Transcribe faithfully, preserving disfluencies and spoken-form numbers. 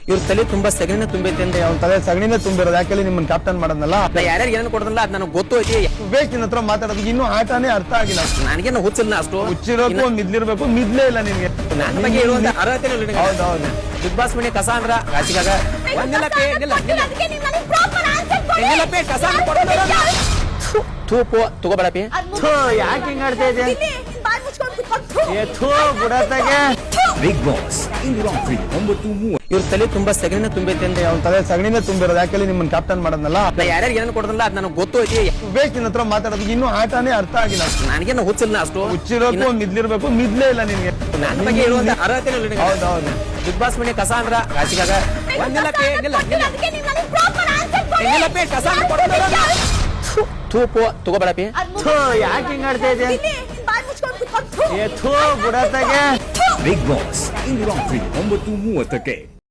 ಇವ್ರ ತಲೆ ತುಂಬಾ ಸಗಣಿನ ತುಂಬೈತೆ ಅಂದ್ರೆ ಅವ್ನ ತಲೆ ಸಗಣಿನೇ ತುಂಬಿರೋದು. ಯಾಕೆ ನಿಮ್ಮನ್ನ ಕ್ಯಾಪ್ಟನ್ ಮಾಡೋದಲ್ಲ. ನಾ ಯಾರ್ಯಾರು ಏನೇನು ಕೊಡೋದಲ್ಲ ಅದ್ ನನಗೆ ಗೊತ್ತು ಐತಿ. ಬೇಕು ನಿನ್ನ ಹತ್ರ ಮಾತಾಡೋದು ಇನ್ನೂ ಆಟನೇ ಅರ್ಥ ಆಗಿಲ್ಲ. ನನಗೇನು ಹುಚ್ಚಿಲ್ಲ ಅಷ್ಟು. ಹುಚ್ಚಿರೋಕು ಮಿದ್ಲಿರ್ಬೇಕು, ಮಿದ್ಲೇ ಇಲ್ಲ ನಿನ್ಗೆ. ನನ್ನ ಬಗ್ಗೆ ಇರುವಂತ ಅರ್ಹತೆ ಇಲ್ಲ ನಿನಗೆ. ಹೌದೌದು. ಬಿಗ್ ಬಾಸ್ ಮನೆ ಕಸ ಅಂದ್ರ ರಾಜಿಗಾಗ ಒಂದಿಲ್ಲ ಪೇ ನಿಲ್ಲ ನಿಲ್ಲ ನಿಲ್ಲ ಪೇ ಕಸ ಕೊಡೋದಲ್ಲ. ಥೂ ಪೋ ತಗೋಬೇಡ ಪೇ. ಥೂ ಯಾಕೆ ಹಿಂಗ್ ಆಡ್ತಾ ಇದೆ? ಏ ಥೂ ಬುಡತಾಗೆ. ಬಿಗ್ ಬಾಸ್ ಇಂದು ರಾತ್ರಿ ಒಂಬತ್ತು ಮೂವತ್ತು. ಇವ್ರ ತಲೆ ತುಂಬಾ ಸಗಣಿನ ತುಂಬೈತೆ ಅಂದ್ರೆ ಅವ್ನ ತಲೆ ಸಗಣಿನೇ ತುಂಬಿರೋದು. ಯಾಕೆ ನಿಮ್ಮನ್ನ ಕ್ಯಾಪ್ಟನ್ ಮಾಡೋದಲ್ಲ. ನಾ ಯಾರ್ಯಾರು ಏನೇನು ಕೊಡೋದಲ್ಲ ಅದ್ ನನಗೆ ಗೊತ್ತು ಐತಿ. ಬೇಕು ನಿನ್ನ ಹತ್ರ ಮಾತಾಡೋದು ಇನ್ನೂ ಆಟನೇ ಅರ್ಥ ಆಗಿಲ್ಲ. ನನಗೇನು ಹುಚ್ಚಿಲ್ಲ ಅಷ್ಟು. ಹುಚ್ಚಿರೋಕು ಮಿದ್ಲಿರ್ಬೇಕು, ಮಿದ್ಲೇ ಇಲ್ಲ ನಿನ್ಗೆ. ನನ್ನ ಬಗ್ಗೆ ಇರುವಂತ ಅರ್ಹತೆ ಇಲ್ಲ ನಿನಗೆ. ಹೌದೌದು. ಬಿಗ್ ಬಾಸ್ ಮನೆ ಕಸ ಅಂದ್ರ ರಾಜಿಗಾಗ ಒಂದಿಲ್ಲ ಪೇ ನಿಲ್ಲ ನಿಲ್ಲ ನಿಲ್ಲ ಪೇ ಕಸ ಕೊಡೋದಲ್ಲ. ಥೂ ಪೋ ತಗೋಬೇಡ ಪೇ. ಥೂ ಯಾಕೆ ಹಿಂಗ್ ಆಡ್ತಾ ಇದೆ? ಏ ಥೂ ಬುಡತಾಗೆ. ಬಿಗ್ ಬಾಸ್ ಇಂದು ರಾತ್ರಿ ಒಂಬತ್ತು ಮೂವತ್ತಕ್ಕೆ.